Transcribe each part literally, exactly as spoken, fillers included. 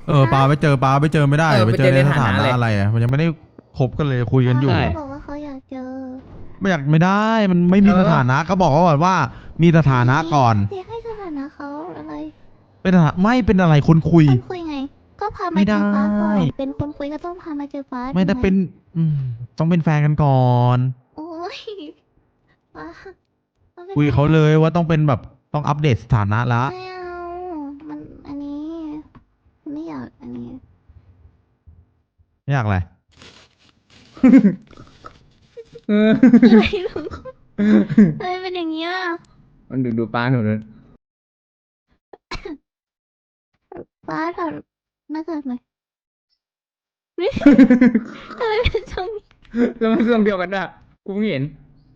เออปาไปเจอปาไปเจอไม่ได้เออไปไปเจเจออในในสถาฐานะนะอะไรอะไรอ่ะมันยังไม่ได้คบกันเลยคุยกันอยู่ใช่บอกว่าเขาอยากเจอไม่อยากไม่ได้มันไม่มีเออสถานะก็บอกเขาก่อนว่ามีสถานะก่อนเจ๊ให้สถานะเขาอะไรเป็นสถานะไม่เป็นอะไรคนคุยคนคุยไง ก็พาไม่มาได้เจอฟ้าก่อนเป็นคนคุยก็ต้องพามาเจอฟ้าไม่ได้ถูกหเป็นอืมต้องเป็นแฟนกันก่อนโอ้ยฟ้าต้องเป็นคุยกับเขาเลยว่าต้องเป็นแบบต้องอัปเดตสถานะละไม่เอามันอันนี้ไม่อยากอันนี้ไม่อยากอะไรเอออะไรลูกทำไมเป็นอย่างเงี้ยมันดูดูป้าหนูเลยฟ้าถอดหน้ากากหน่อยทำไมเป็นทรงนี้แล้วมันเรื่องเดียวกันด้วยกูเพิ่งเห็น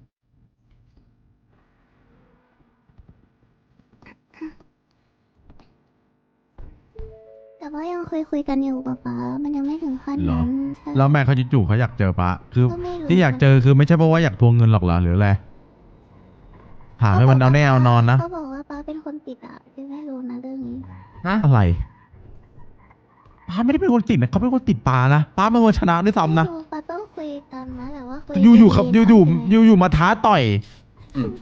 แต่ว่ายังคุยคุยกันอยู่ป๊าป๊ามันยังไม่ถึงขั้นเหรอนั้นใช่แล้วแม่เขาจู่ๆเขาอยากเจอปะคือก็ไม่รู้ที่อยากเจอคือไม่ใช่เพราะว่าอยากทวงเงินหรอกเหรอหรืออะไรถามให้มันเอาแน่เอานอนนะเขาบอกว่าป๊าเป็นคนติดอ่ะเจ๊ไม่รู้นะเรื่องนี้ฮะอะไรป้าไม่ได้เป็นคนติดนะเขาเป็นคนติดปลานะป้าเป็นคนชนะด้วยซ้ำนะไม่รู้ป๊าต้องคุยกันนะแต่ว่าคุยอยู่อยู่ๆครับอดียู่ๆอยู่อยู่อยู่ๆมาท้าต่อยอืม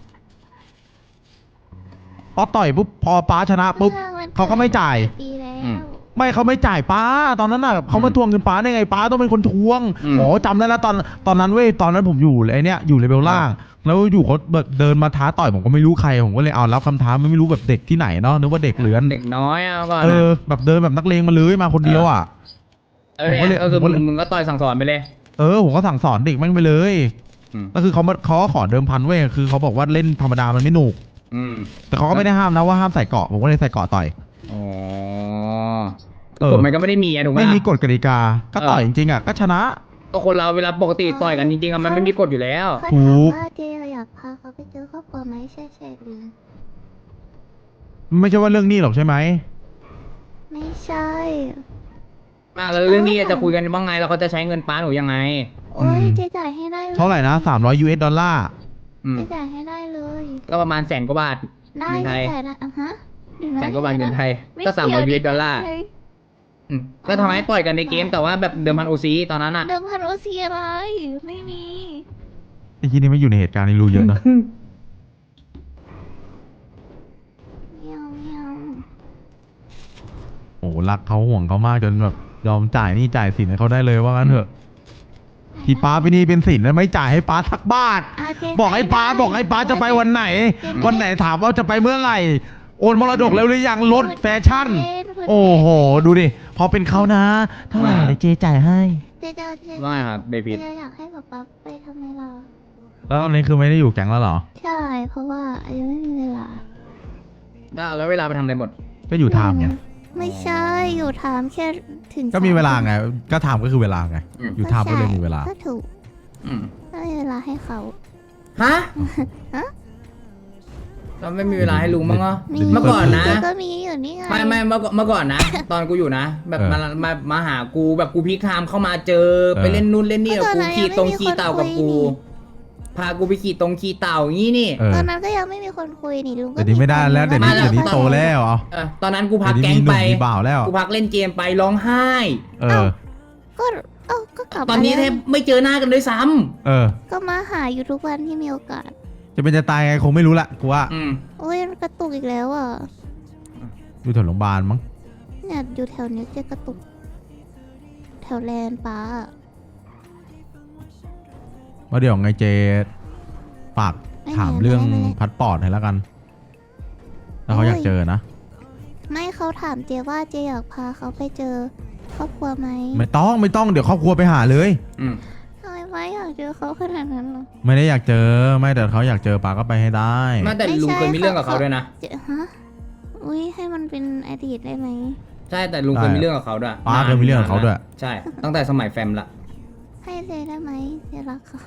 พอต่อยปุ๊บพอป้าชนะปุ๊บรื่องมันเขาก็ไม่จ่ายปีแล้วอืมไม่เขาไม่จ่ายป้า ตอนนั้นน่ะเขามาทวงเงินป้าได้ไงป้าต้องเป็นคนทวงอืมอ๋อจำได้แล้วตอนตอนนั้นเว้ยตอนนั้นผมอยู่ไอเนี้ยอยู่เลเวลล่าง แล้วอยู่เขาแบบเดินมาท้าต่อยผมก็ไม่รู้ใครผมก็เลยเอารับคำท้าไม่รู้แบบเด็กที่ไหนเนาะนึกว่าเด็กเหลือนเด็กน้อยอ่ะก่อนเออะอแบบเดินแบบนักเลงมาเลยมาคนเดียวอ่ะเออผมก็เลยก็คือผมก็เลยมึงก็ต่อยสั่งสอนไปเลยเออผมก็สั่งสอนเด็กแม่งไปเลยอืมก็คือเขามาเขาก็ขอเดิมพันเว้ยคือเขาบอกว่าเล่นธรรมดามันไม่หนุกอืมแต่เขาก็ไม่ได้ห้ามนะว่าห้ามใส่เกราะผมก็เลยใส่เกราะต่อยอ๋อเออกฎมันก็ไม่ได้มีอะถูกไหมไม่มีล่ะกฎกติกา ก็ต่อยเอจอริงๆอ่ะก็ชนะก็คนเราเวลาปกติต่อยกันจริงๆอะมันไม่มีกฎอยู่แล้วเขาถูถามกว่าเจ๊อยากพาเขาไปเจอครอบครัวไหมใช่ใช่หรือไม่ใช่ว่าเรื่องนี้หรอกใช่ไหมไม่ใช่มาแล้วเรื่องนี้จะคุยกันว่าไงแล้วเขาจะใช้เงินป้าหนูยังไงโอ้ยอืมเจ๊จ่ายให้ได้ลยเท่าไหร่นะสามร้อยยูเอสดอลลาร์อืมเจ๊จ่ายให้ได้เลยก็ประมาณแสนกว่าบาทได้เงินไทยแต่นะอ่ะฮะเดี๋ยวะแสนกว่าบาทเงินไทยไม่ก็สามร้อยยูเกี่เอสดอลลาร์เฮ้ยอืมก็ทำให้ต่อยกันในเกมแต่ว่าแบบเดิมพันโอซีตอนนั้นอะเดิมพันโอซีอะไรไม่มีไอ้ที่นี่ไม่อยู่ในเหตุการณ์นี้รู้เยอะนะไม่เอาไม่เอาโอ้โหรักเขาห่วงเขามากจนแบบยอมจ่ายหนี่จ่ายสินให้เขาได้เลยว่างั้นเถอะที่ป้าไปนี่เป็นสินแล้วไม่จ่ายให้ป้าทักบาทะเจ๊บอกให้ป้าได้บอกให้ป้าจะไปวันไหน วันไหนถามว่าจะไปเมื่อไหร่ โอนมรดกแล้วหรือยังรถแฟชั่น โอ้โห ดูดิ พอเป็นเขานะ เท่าไหร่เดี๋ยวเจจ่ายให้เจ๊จะเจ๊ว่าไงครับเบพิดเจ๊อยากให้ป๊าป๊าไปทำไมล่ะแล้วตอนนี้คือไม่ได้อยู่แก๊งแล้วเหรอใช่ เพราะว่ายังไม่มีเวลาแล้วเวลาไปทำอะไรหมดก็อยู่ไทม์ไงไม่ใช่อยู่ถามแค่ถึงก็มีเวลาไง ก็ไทม์ก็คือเวลาไงอืมอยู่ไทม์ก็เลยมีเวลาก็ถูกอืมก็มีเวลาให้เขาฮะฮะเราไม่มีเวลาให้ลุงมั้งเหรอมีเมื่อก่อนนะเจ๊ก็มีอยู่นี่ไงไม่ไม่เมื่อก่อนเมื่อก่อนนะ ตอนกูอยู่นะ แบบเออมามามาหากูแบบกูพีคไทม์เข้ามาเจอเออไปเล่นนู่นเล่นนี่กับเมื่อก่อนกูขี่ยังไม่ตรงมีขี่เต่ากับคนคุกูยนี่พากูไปขี่ตรงขี่เต่าอย่างนี้นี่เออตอนนั้นก็ยังไม่มีคนคุยนี่ลุงก็เดี๋ยวนี้ไม่ได้แล้ว เดี๋ยวนี้มาแล้วเดี๋ยวนี้โตแล้วเอาเออตอนนั้นกูพักเดี๋ยวแก๊นี้งมีหนุ่ไปมมีบ่าวแล้วกูพักเล่นเกมไปร้องไห้เออก็เอ้าก็กลับตอนนี้มาแทแล้วบไม่เจอหน้ากันด้วยซ้ำเออก็มาหาอยู่ทุกวันที่มีโอกาสจะเป็นจะตายไงคงไม่รู้ละกูว่าอืมโอ้ยกระตุกอีกแล้วอ่ะอยู่แถวโรงพยาบาลมั้งเนี่ยอยู่แถวนี้เจ๊กระตุก แถวแลนด์ป้าอะว่าเดี๋ยวไงเจฝากถามเรื่องพัดปอดให้แล้วกันถ้าเขาอยากเจอนะไม่เขาถามเจ๊ว่าเจ๊อยากพาเขาไปเจอครอบครัวไหมไม่ต้องไม่ต้องเดี๋ยวครอบครัวไปหาเลยอืมทำไมไม่อยากเจอเขาขนาดนั้นหรอไม่ได้อยากเจอไม่แต่เขาอยากเจอปาก็ไปให้ได้แม้แต่ลุงเคยมีเรื่องกับเขาด้วยนะเจ๊ฮะอุ้ยให้มันเป็นอดีตได้ไหมใช่แต่ลุงเคยมีเรื่องกับเขาด้วยป้าเคยมีเรื่องกับเขาด้วยใช่ ตั้งแต่สมัยแฟมละให้เจ๊ได้ไหมเจ๊รักเขา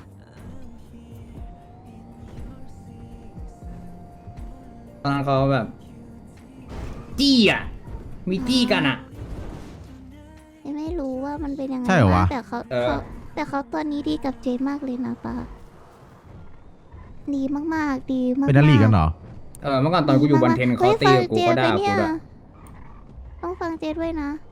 ตอนนั้นเขาแบบ จี้อ่ะ มีจี้กันอ่ะเจ๊ไม่รู้ว่ามันเป็นยังไงใช่เหรอวะแต่เขาเออเขาแต่เขาตอนนี้ดีกับเจ๊มากเลยนะป้าดีมากๆดีมากๆเป็นนักลีกกันเหรอเออเมื่อก่อนตอนกูอยู่บันเทนเขาตีกับกูเขาด่ากูด้วยต้องฟังเจ๊ด้วยนะ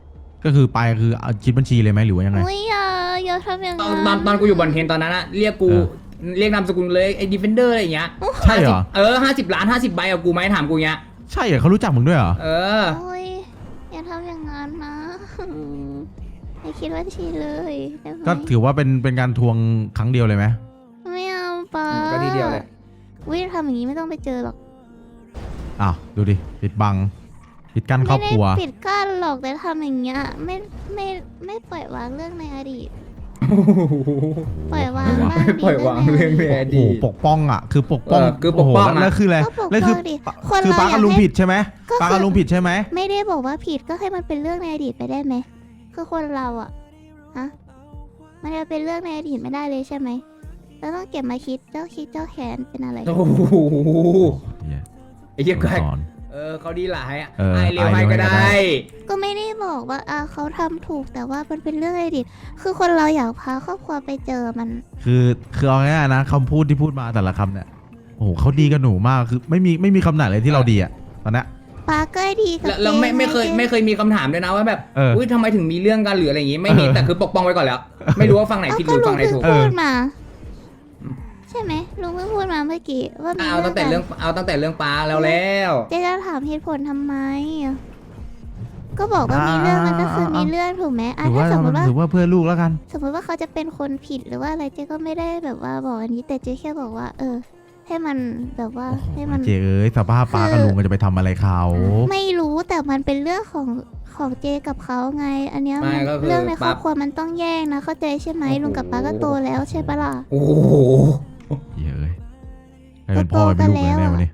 ก็คือไปคือเอาคิดบัญชีเลยไหมหรือว่ายังไงอุ้ยอย่าอย่าทำอย่างตอนั้น นตอนตอนกูอยู่บอลเทนตอนนั้นอะเรียกกูเออเรียกนามสกุลเลยไอ้ดีเฟนเดอร์อะไรอย่างเงี้ยใช่เหรอเออห้าสิบล้านห้าสิบใบเอากูไหมถามกูเงี้ยใช่เหรอเขารู้จักมึงด้วยเหรอเออโอ้ยอย่าทำอย่างนั้นนะไม่คิดว่าชีเลยได้ไหมก็ถือว่าเป็นเป็นการทวงครั้งเดียวเลยไหมไม่เอาป้าก็ทีเดียวเลยวิทำอย่างนี้ไม่ต้องไปเจอหรอกอ้าวดูดิปิดบังปิดกั้นครอบครัวไม่ได้ปิดกั้นหรอกแต่ทำอย่างเงี้ยไม่ไม่ไม่ปล่อยวางเรื่องในอดีต ปล่อยวางบ้างดีปล่อยวางเรื่องในอโอ้โหดีตปกป้องอ่ะคือปกป้องเออคือปกป้องโโหอะแล้วคืออะไรก็ปกแล้วป้คือองดิคนคือเราป้าอกับยากลุงให้ผิดใช่ไหมก็คือป้ากับลุงผิดใช่ไหมไม่ได้บอกว่าผิดก็ให้มันเป็นเรื่องในอดีตไปได้ไหมคือคนเราอะฮะมันจะเป็นเรื่องในอดีตไม่ได้เลยใช่ไหมเราต้องเก็บมาคิดเจ้าคิดเจ้าแค้นเป็นอะไรโอ้โหเหี้ยไอ้เหี้ยแกสอนเออเขาดีหลายอะเออไอเร็วไอ้ให้เร็วให้ก็ก็ได้ได้ก็ไม่ได้บอกว่าอ่าเขาทำถูกแต่ว่ามันเป็นเรื่องในอดีตคือคนเราอยากพาครอบครัวไปเจอมันคือคือเอาง่ายๆนะคำพูดที่พูดมาแต่ละคำเนี่ยโอ้โหเขาดีกับหนูมากคือไม่มีไม่มีคำไหนเลยที่เราดีอ่ะตอนเนี้ยป้าก็ดีกับแล้วแล้วไม่จ๊ไม่เคยจ๊ไม่เคยมีคำถามด้วยนะว่าแบบเอออุ้อุ้ยทำไมถึงมีเรื่องกันหรืออะไรอย่างงี้ไม่มีเออแต่คือปกป้องไว้ก่อนแล้ว ไม่รู้ว่าฟังไหนเอาผิดหก็รือลุฟังงไหนเพิ่งถูกเออพูดมา ใช่ไหมลุงเพิ่งพูดมาเมื่อกี้ว่ามีเอาตั้งแต่เรื่องกันเอาตั้งแต่เรื่องปลาแล้วแล้วเจ๊จะถามเหตุผลทำไม ก็บอกว่ามีเรื่องมันก็คือมีเรื่องถูกไหมอ่ะถือถ้าว่าสมมติว่าถือว่าเพื่อลูกแล้วกันสมมติว่าเขาจะเป็นคนผิดหรือว่าอะไรเจ๊ก็ไม่ได้แบบว่าบอกอันนี้แต่เจ๊แค่บอกว่า เออ ให้มันแบบว่าให้มันเจ๊เอ้ยสภาพป้ากับลุงก็จะไปทำอะไรเขาไม่รู้แต่มันเป็นเรื่องของของเจกับเขาไง อันเนี้ยไม่มันก็คือเรื่องในครอบปั๊บครัวมันต้องแยกนะเข้าใจใช่ไหมโอ้โหลุงกับป้าก็โตแล้วใช่ปะล่ะโอ้โหเย้ยใครเป็นพ่อเป็นลูกกันแน่วันนี้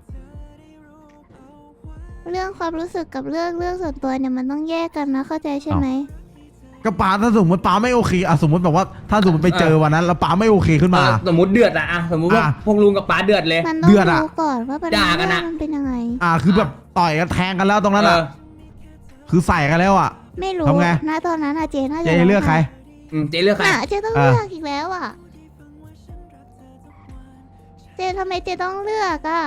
เรื่องความรู้สึกกับเรื่องเรื่องส่วนตัวเนี่ยมันต้องแยกกันนะเข้าใจใช่ไหมก็ป้าถ้าสมมติป้าไม่โอเคอะสมมติแบบว่าถ้าสมมติไปเจอวันนั้นแล้วป้าไม่โอเคขึ้นมาเออสมมติเดือดอะอะสมมติว่าอ่ะพวกลุงกับป้าเดือดเลยมันต้องเดือดอะรู้ก่อนว่าปัญด่าหากันอะมันเป็นยังไงอ่าคือแบบต่อยกันแทงกันแล้วตรงนั้นเออะอคือใส่กันแล้วอะไม่รู้ทำไงนะตอนนั้นอะเจน่าจะเจ๊เลือกใครอืมเจ๊เลือกใครน่ะเจต้องอ่ะเลือกอีกแล้วอะเจทำไมเจต้องเลือกอะ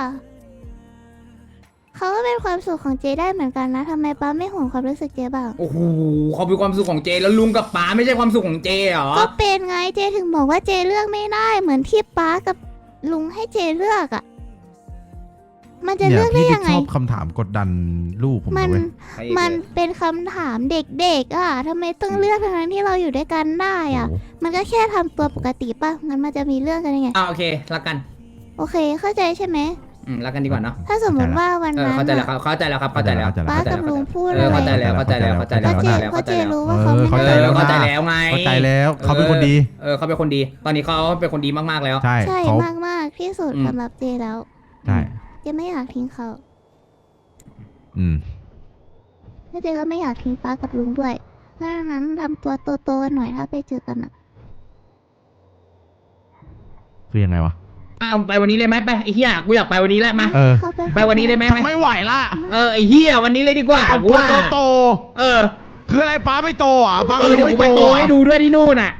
เขาก็เป็นความสุขของเจได้เหมือนกันนะทำไมป้าไม่ห่วงความรู้สึกเจบ้างโอ้โหเขาเป็นความสุขของเจแล้วลุงกับป้าไม่ใช่ความสุขของเจเหรอก็เป็นไงเจถึงบอกว่าเจเลือกไม่ได้เหมือนที่ป้ากับลุงให้เจเลือกอะ่ะ มันจะเนี่เลืยอกได้พี่ยังไงชอบคำถามกดดันลูกผมมันนะเว้ยใครมันเจอเป็นคำถามเด็กๆอ่ะทำไมต้องเลือกทั้งๆที่เราอยู่ด้วยกันได้อ่ะโอ้โหมันก็แค่ทำตัวปกติป่ะงั้นมันจะมีเรื่องกันยังไงอ่าโอเครักกันโอเคเข้าใจใช่ไหมอืมรักกันดีกว่าเนาะถ้าสมมติว่าวันเออนั้นเข้าใจแล้วคอะรับเข้าใจแล้วครับเข้าใจแล้วเข้าใจป้าแล้วกับลุงพูดเออะอไรเข้าใจแล้วเข้าใจแล้วเข้าใจเพแล้วราะเข้าเจใจแล้วเพเข้าราะใจเจแล้วรู้ว่าเขาไม่เออเข้าใจได้แล้วเข้าใจแล้วไงเข้าใจแล้วเขาเป็นคนดีเออเขาเป็นคนดี ตอนนี้เขาเป็นคนดีมากๆแล้วใช่ใช่เขามากมากๆที่สุดอืมสำหรับเจแล้วใช่เจไม่อยากทิ้งเขาอืมแล้วเจก็ไม่อยากทิ้งป้ากับลุงด้วยเพราะฉะนั้นทำตัวโตๆหน่อยถ้าไปเจอกันอะคือยังไงวะอ้าวไปวันนี้เลยไหมไปไอ้เหี้ยกูอยากไปวันนี้แหละมาเออเข้าไปไปวันนี้ได้ไหมไม่ไหวละเออไอ้เหี้ยวันนี้เลยดีกว่าเอากูพูดว่าโตเออๆคืออะไรป้าไม่โตอ่ะป้าเอก็อรู้เดี๋ยวกูไม่ไปโตโตให้อ่ะดูด้วยที่นู่นน่ะ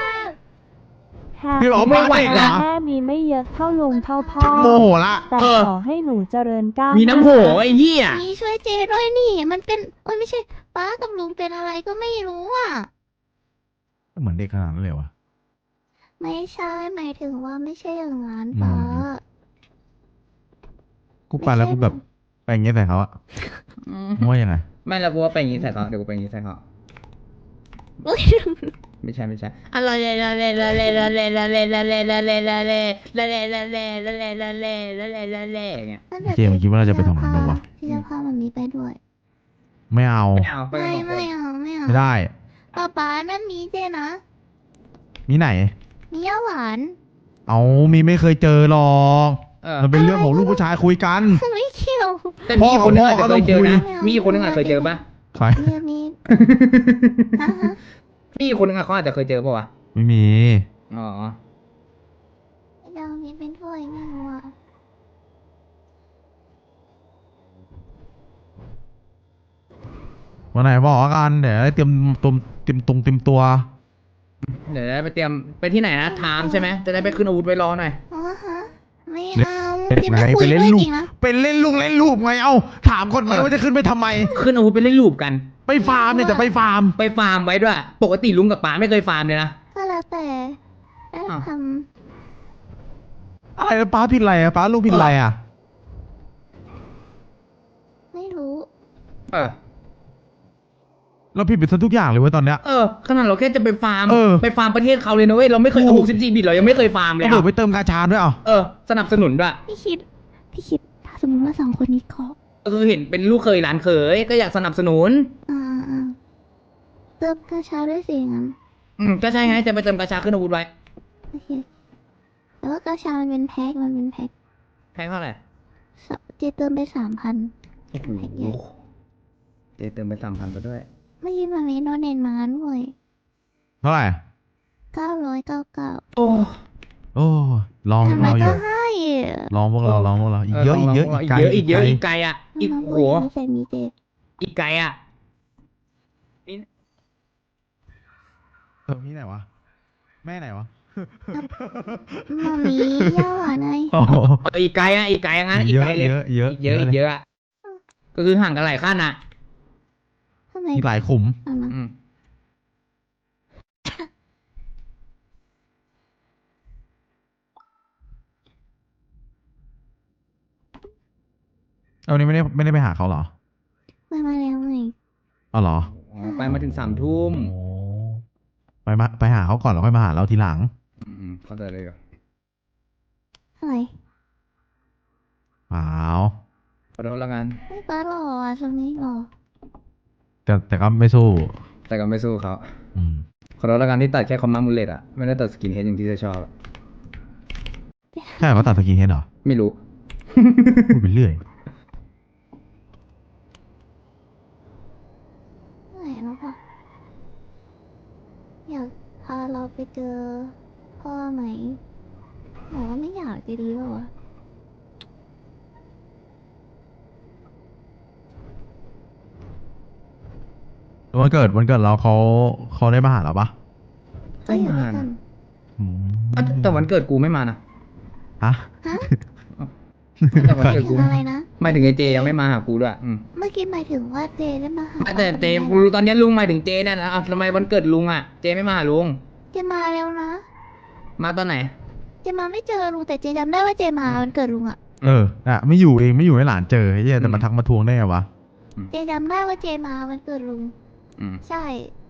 พี่บอกว่าป้าเด็กเหรอแม่มีไม่เยอะเท่าลุงเท่าพ่อชักโมโหละแต่เออขอให้หนูเจริญก้าวมีน้ำโหไอ้เหี้ยนี่ช่วยเจด้วยนี่ มันเป็นโอ้ยไม่ใช่ป้ากับลุงเป็นอะไรก็ไม่รู้อ่ะเหมือนเด็กขนาดนั้นเลยวะไม่ใช่หมายถึงว่าไม่ใช่อย่างนั้นอืมป้ากูไปแล้วกูแบบไปอย่างเงี้ยใส่เขาอะว่ายังไงไม่แล้วกูว่าไปอย่างงี้ใส่เขาเดี๋ยวกูไปอย่างงี้ใส่เขาอุ๊ยไม่ใช่ไม่ใช่อะละเลละเลละเลละเลละเลละเลละเลละเลละเลละเลละเลละเลละเลละเลอย่างเงี้ยนั่นแหละเจมส์คิดว่าเราจะไปทำอะไรวะพี่จะพามันมีไปด้วยไม่เอาไม่เอาไปไม่กันสองคนไม่เอาไม่เอาไม่ได้ป้าป้านั่นมีเจนะมีไหนมีย่าหวานเอามีไม่เคยเจอหรอกเออมันเป็นเรื่องของลูกผู้ชายคุยกันไม่เกี่ยวแต่มีอีกคนนึงอาจจะเคยเจอนะพ่อเขามีอีกคนนึงอาจจะเคยเจอปะใครมีมีฮะฮะมีอีกคนนึงอะเขาอาจจะเคยเจอปะวะไม่มีอ๋อเรามีเป็นถ้วยไม่รู้อ่ะวันไหนบอกกันเดี๋ยวได้เตรียมตุมเตรียมตรงเตรียมตัวเดี๋ยวได้ไปเตรียมไปที่ไหนนะไทม์ใช่ไหมจะได้ไปขึ้นอาวุธไว้รอหน่อยอ๋อฮะไม่เอาจริงนะคุไปยเล่นด้วยลูจกริงนะเป็นเล่นลูกเล่นลูกไงเอ้าถามคนไหมว่าจะขึ้นไปทำไมขึ้นอาวุธไปเล่นลูปกันไปฟาร์มเนี่ยจะไปฟาร์มไปฟาร์มไว้ด้วย ปกติลุงกับป๋าไม่เคยฟาร์มเลยนะก็แล้วแต่แล้วอ้าวทอะไรนะป้าผิดอะไรอะป้าลูกผิดอะไรอะำไม่รู้เออเราผิดไปซะทุกอย่างเลยเว้ยตอนเนี้ยเออขนาดเราแค่จะไปฟาร์มเออไปฟาร์มประเทศเขาเลยนะเว้ย เราไม่เคยถูกหกสิบสี่บิตเรายังไม่เคยฟาร์มเลยเราเบิกอะไปเติมกาชาด้วยอ่ะเออ สนับสนุนด้วยพี่คิด พี่คิด ถ้าสมมติว่าสองคนนี้เขาก็คือเห็นเป็นลูกเคยหลานเคย ก็อยากสนับสนุนอ่าอ่าเติมกระเช้าด้วยสิงั้นอืมก็ใช่ไง จะไปเติมกาชาขึ้นอาวุธไว้โอเคแต่ว่ากระเช้ามันเป็นแพ็คมันเป็นแพ็คแพงเท่าไหร่สเจเติมไปสามพันโอ้โหแพ็คใหญ่เจเติมไปสามพันไปด้วยไม่ยินมามีโนเนนมาด้วยเท่าไหร่เก้าร้อยเก้าเก้าโอ้โอ้ลองพวทำกไมเราอก็ยู่ให้อะลองพวกเราลองพวกเราอีกเยอะอีกเยอะอีอีกกไกลเยอะอีกเยอะไอีกไกลอ่ะ อีกน้องโหไม่ใส่มีเจอีกไกลอ่ะเออพี่ไหนวะแม่ไหนวะมามีย่าหวานไงโอ้โหเอออีกไกลอ่ะ อีกไกลอ่ะงั้นอีกเยอะไกลเลยเยอะเยอะอีกเยอะอีกเยอะอ่ะ ก็คือห่างกันหลายขั้นอ่ะทำไมมีหลายขุมเอามาอืมเอาวันนี้ไม่ได้ไม่ได้ไปหาเขาเหรอมามาแล้วไงเอาเหรออ๋อไปมาถึงสามทุ่มโอ้ไปมาไปหาเขาก่อนแล้วค่อยมาหาเราทีหลังอืมเข้าใจเลยเหรออะไรเปล่าขอโทษแล้วกันไม่ป้าหล่ออ่ะช่วงนี้หล่อแต่แต่ก็ไม่สู้แต่ก็ไม่สู้เขาอืมขอโทษแล้วกันที่ตัดแค่คอมมามูเลตอ่ะ ไม่ได้ตัดสกินเฮดอย่างที่เธอชอบอะใช่เหรอเขาตัดสกินเฮดเหรอไม่รู้พูดไปเรื่อยไหนแล้วปะอยากพาเราไปเจอพ่อไหมบอกว่าไม่อยากจะดีป่าวะวันเกิดวันเกิดเราเขาเขาได้มาหาเราปะก็อยู่ด้วยกันอืมอ่ะแต่วันเกิดกูไม่มานะฮะฮะแต่วันหมายเกิดถึกูงอะไรนะหมายถึงไอเจยังไม่มาหากูด้วยอืมเมื่อกี้หมายถึงว่าเจได้มาหาแต่เจกูรู้ตอนนี้ลุงหมายถึงเจเนี่ยนะอ่ะทำไมวันเกิดลุงอ่ะ เจไม่มาหาลุงเจมาแล้วนะมาตอนไหนเจมาไม่เจอลุงแต่เจจำได้ว่าเจมาวันเกิดลุงอะเอออะไม่อยู่เองไม่อยู่ให้หลานเจอไอ้เหี้ยแต่มาทักมาทวงได้ไงวะเจจำได้ว่าเจมาวันเกิดลุงอืมใช่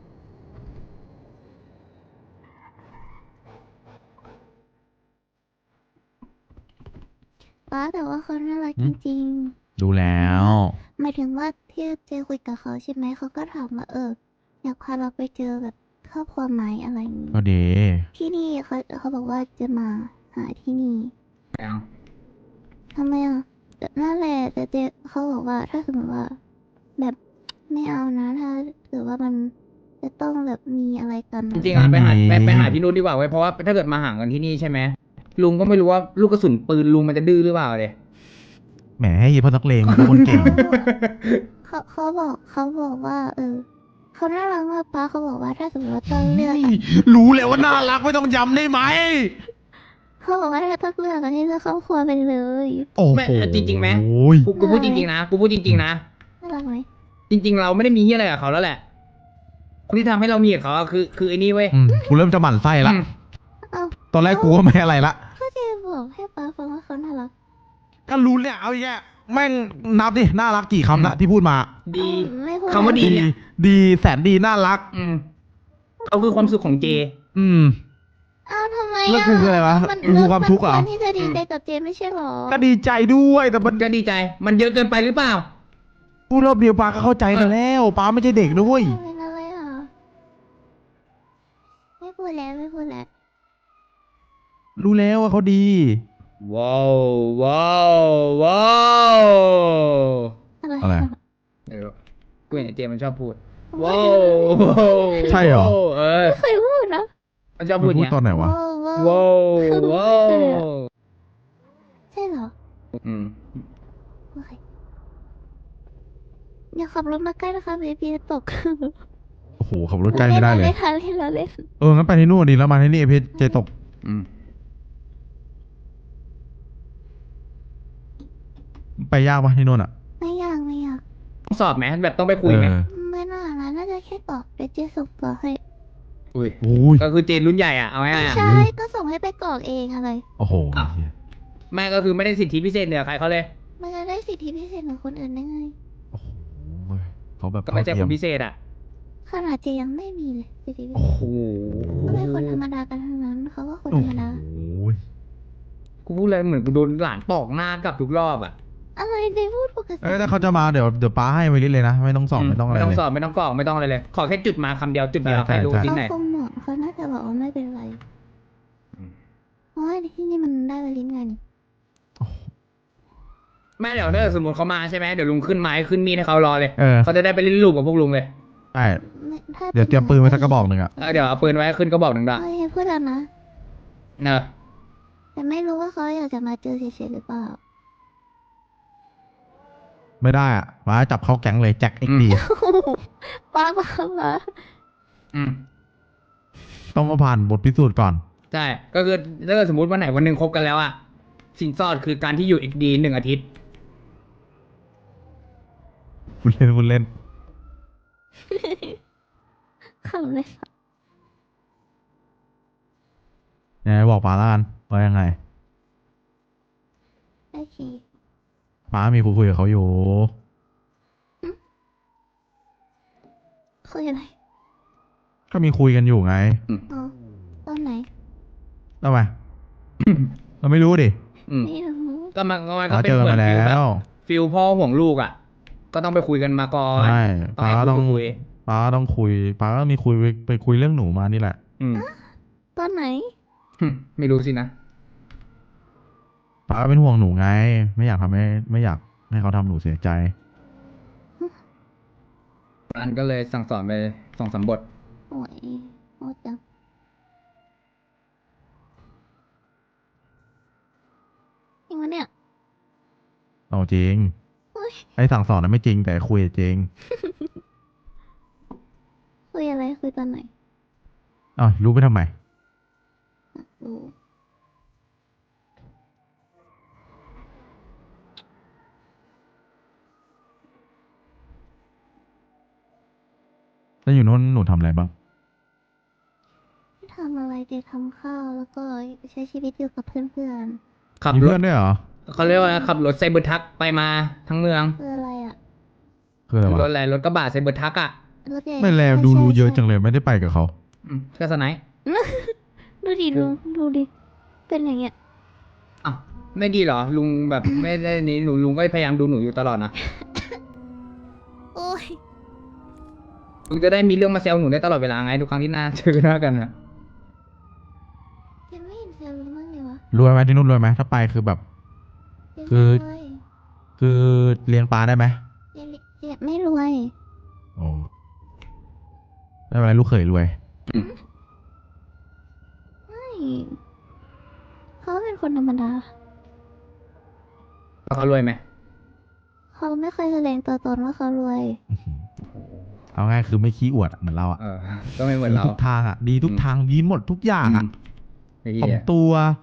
ป้าแต่ว่าเขาน่ารักอืจมริงดูแล้วๆหมายถึงว่าที่เจคุยกับเขาใช่ไหมเขาก็ถามว่าเอออยากพาเราไปเจอแบบครอบครัวไหมอะไรอย่างนี้ก็ดีที่นี่เขาเขาบอกว่าจะมาหาที่นี่ไม่เอาทำไมอ่ะแต่นั่นแหละแต่เจเขาบอกว่าถ้าสมมติว่า แบบไม่เอานะถ้าเกิดว่ามันจะต้องแบบมีอะไรกันจริงๆอ่ะไปหาไปไปหาพี่นุชดีกว่าเว้ยเพราะว่าถ้าเกิดมาห่างกันที่นี่ใช่ไหมลุงก็ไม่รู้ว่าลูกกระสุนปืนลุงมันจะดื้อหรือเปล่าเลยแหมให้ยีพ่อนักเลงมันเป็นคนเก่งเขาเขาบอกเขาบอกว่า เออเขาน่ารักมากป้าเขาบอกว่าถ้าสมมติว่าต้องเลือกอะรู้แล้วว่าน่ารักไม่ต้องย้ำได้ไหมเขาบอกว่าถ้าต้องเลือกอันนี้เลือกครอบครัวไปเลยโอ้โหแม่จริงๆไหมโอ้ยกูกูพูดจริงๆนะกูพูดจริงๆนะน่ารักไหมจริง ๆ เราไม่ได้มีเฮียอะไรกับเขาแล้วแหละคนที่ทำให้เรามีกับเขาอะคือคือไอ้นี่เว้ยอืมกูเริ่มจะหมั่นไส้ละอืมเอ้าตอนแรกกูก็ไม่อะไรละก็เจบอกให้ป้าฟังว่าเขาน่ารักก็รู้เนี่ยเอาแย่แม่งนับดิน่ารักกี่คำละที่พูดมาดีไม่พูดคำว่าดี เนี่ยดีแสนดีน่ารักอืมเขาคือความสุขของเจอืมอ้าวทำไมแล้วคืออะไรวะมันคือความทุกข์เหรอมันควรที่จะดีใจกับเจไม่ใช่หรอก็ดีใจด้วยแต่มันก็ดีใจ มันเยอะเกินไปหรือเปล่าพูดรอบเดียวป้าก็เข้าใจแต่แล้วป้าไม่ใช่เด็กด้วยเป็นอะไรอ่ะไม่พูดแล้วไม่พูดแล้วรู้แล้วว่าเขาดีว้าวว้าวว้าวอะไรอะไรไม่รู้กูเห็นไอ้เจมันชอบพูดว้าวว้าวใช่เหรอเออไม่เคยพูดนะมันชอบพูดอย่างพูดเงี้ยตอนไหนวะว้าวว้าวว้าวว้าวใช่เหรออืมโอเคอย่าขับรถมาใกล้นะคะเบบีจะตกโอ้โหขับรถใกล้ไม่ได้เลยเล่นเราเล่นเราเล่นเอองั้นไปที่นู่นดีแล้วมาที่นี่เพชรเจตกอืมไปยากปะที่นู่นอ่ะไม่อยากไม่อยากต้องสอบไหมแบบต้องไปคุยไหมเออไม่น่านะน่าจะแค่ตอบไปเจส่งตัวให้อุ้ยโอ้ยก็คือเจนรุ่นใหญ่อ่ะเอาง่ายๆอะใช่ก็ส่งให้ไปกรอกเองอะไรโอ้โหอ้าว แม่ก็คือไม่ได้สิทธิพิเศษเหนือใครเขาเลยมันจะได้สิทธิพิเศษเหมือนคนอื่นได้ไงโอ้โหเขาแบบก็ไม่ใช่คเท่าน เทียพิเศษอ่ะขนาดเจยังไม่มีเลยสิทธิพิโอ้เศษโหก็เป็นคนธรรมดากันทั้งนั้นเขาก็คนโอ้ธรรมดาโหกูพูดเลยเหมือนกูโดนหลานปอกหน้ากลับทุกรอบอ่ะอะไรเจพูดปกติเอ้ยถ้าเขาจะมาเดี๋ยวเดี๋ยวป้าให้ไวลิสเลยนะ ไม่ต้องสอบไม่ต้องอะไรไม่ต้องเลยสอบไม่ต้องกรอกไม่ต้องอะไรเลย ขอแค่จุดมาคำเดียวจุดเดียวใช่ใครรู้ใช่ที่เขาไหนคงเหมาะเขาน่าจะบอกว่าไม่เป็นไรอืมเพราะว่าที่นี่มันได้ไปลิ้นไงนี่แม่เดี๋ยวถ้าสมมติเขามาใช่ไหมเดี๋ยวลุงขึ้นไม้ขึ้นมีดให้เขารอเลยเออเขาจะได้ไปเล่นลูกกับพวกลุงเลยใช่ไม่ถ้าเดี๋ยวเตรียมปืนไว้สักกระบอกหนึ่งอ่ะเออเดี๋ยวเอาปืนไว้ขึ้นก็บอกหนึ่งดอกเฮ้ยพูดแล้วนะเนอะแต่ไม่รู้ว่าเขาอยากจะมาเจอเฉยๆหรือเปล่าไม่ได้อ่ะป้าจับเข้าแก๊งเลยแจ็คเอ็กดีป้าป้าป้าอืมต้องมาผ่านบทพิสูจน์ก่อนใช่ ก็คือถ้าเกิดสมมติวันไหนวันหนึ่งคบกันแล้วอะสินสอดคือการที่อยู่อีกดีหนึ่งอาทิตย์คุณเล่นคุณเล่นขำเลยค่ะยังไงบอกป้าแล้วกันว่ายังไงโอเคป้ามีคุยคุยกับเขาอยู่คุยอะไรก็มีคุยกันอยู่ไงอ๋อตอนไหนทำไม เราไม่รู้ดิอืมไม่รู้ก็มันก็มันก็ป้าเป็นเจอเหมือมาน แล้ฟิลแบบวฟิลพ่อห่วงลูกอะก็ต้องไปคุยกันมาก่อนใช่ต้องป้าให้ต้องคุยป้าต้องคุยป้าก็มีคุยไปไปคุยเรื่องหนูมานี่แหละอืมตอนไหนไม่รู้สินะป้าก็เป็นห่วงหนูไง ไม่อยากทำให้ไม่อยากให้เขาทำหนูเสียใจอันก็เลยสั่งสอนไปสองสามบทโอ้ยโอ้จังจริงวะเนี่ยเอาจริงเฮ้ยไอ้สั่งสอนนั้นไม่จริงแต่คุยจริงคุยอะไรคุยตอนไหนอ้าวรู้ไปทำไมรู้แล้วอยู่โน้นหนูทำอะไรบ้างทำอะไรเจทำข้าวแล้วก็ใช้ชีวิตอยู่กับเพื่อนขับมีรเพื่ถอนด้วยเหรอเขาเรียกว่าขับรถไซเบอร์ทักไปมาทั้งเมืองๆคืออะไรอ่ะคืออะไรรถวะอะไรรถกระบะไซเบอร์ทักอะรถใหญ่ไม่แลใช่ดูใช่รู้เยอะใช่จังเลยไม่ได้ไปกับเขาอืมก็สไนป์ดูดิลุงดูดิ เป็นอย่างเงี้ยอ้าวไม่ดีเหรอ ลุงแบบ ไม่ได้นี้หนูลุงก็พยายามดูหนูอยู่ตลอดนะโอ้ยลุงจะได้มีเรื่องมาแซวหนูได้ตลอดเวลาไงทุกครั้งที่หน้าเจอหน้ากันอะยังไม่เห็นเซลล์มั้างเลยวะรวยไหมที่นู่นรวยไหมถ้าไปคือแบบยังคือไม่รวยคือเลี้ยงปลาได้ไหมยังยังไม่รวยโอ้ไม่เป็นไรลูกเขยรวยไม่เขาเป็นคนธรรมดาแล้วเขารวยไหมเขาไม่เคยแสดงตัวตนว่าเขารวยเอาง่ายคือไม่ขี้อวดอะเหมือนเราอะเออ ก็ไม่เหมือนดีเราทุกทางอะดีทุกทางดีหมดทุกอย่างอะไอ้ถ่อเหี้มยตัว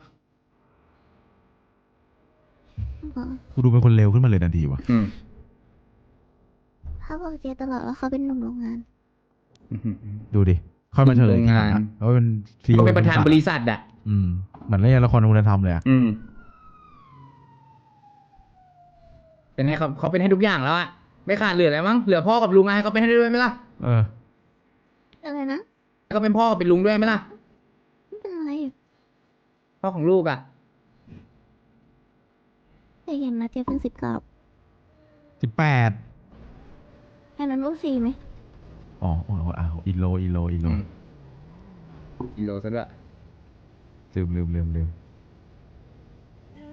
อ๋อกูดูเป็นคนเร็วขึ้นมาเลยทันทีวะอืมเขาบอกเจตลอดว่าเขาเป็นหนุ่มโรงงานดูดิค่อยมาเฉลยทีหลังโรงงาอะนเขาเป็นซีอีก็โอเป็นประธานบริษัทอะอืมเหมือนเล่นละครคุณธรรมเลยอะอืม เป็นให้เขาเขาเป็นให้ทุกอย่างแล้วอะไม่ขาดเหลืออะไรมั้งเหลือพ่อกับลุงไงให้เขาเป็นให้ด้วยไหมล่ะเอออะไรนะให้เขาเป็นพ่อกับเป็นลุงด้วยไหมล่ะไม่เป็นไรพ่อของลูกอะแต่อย่างนะเจเพิ่งสิบเก้าสิบแปดแค่นั้นลูกสี่ไหมอ๋อโอ้โหอ้าวอีโลอีโลอีโลกิโลซะด้วยลืมลืมลืมลืม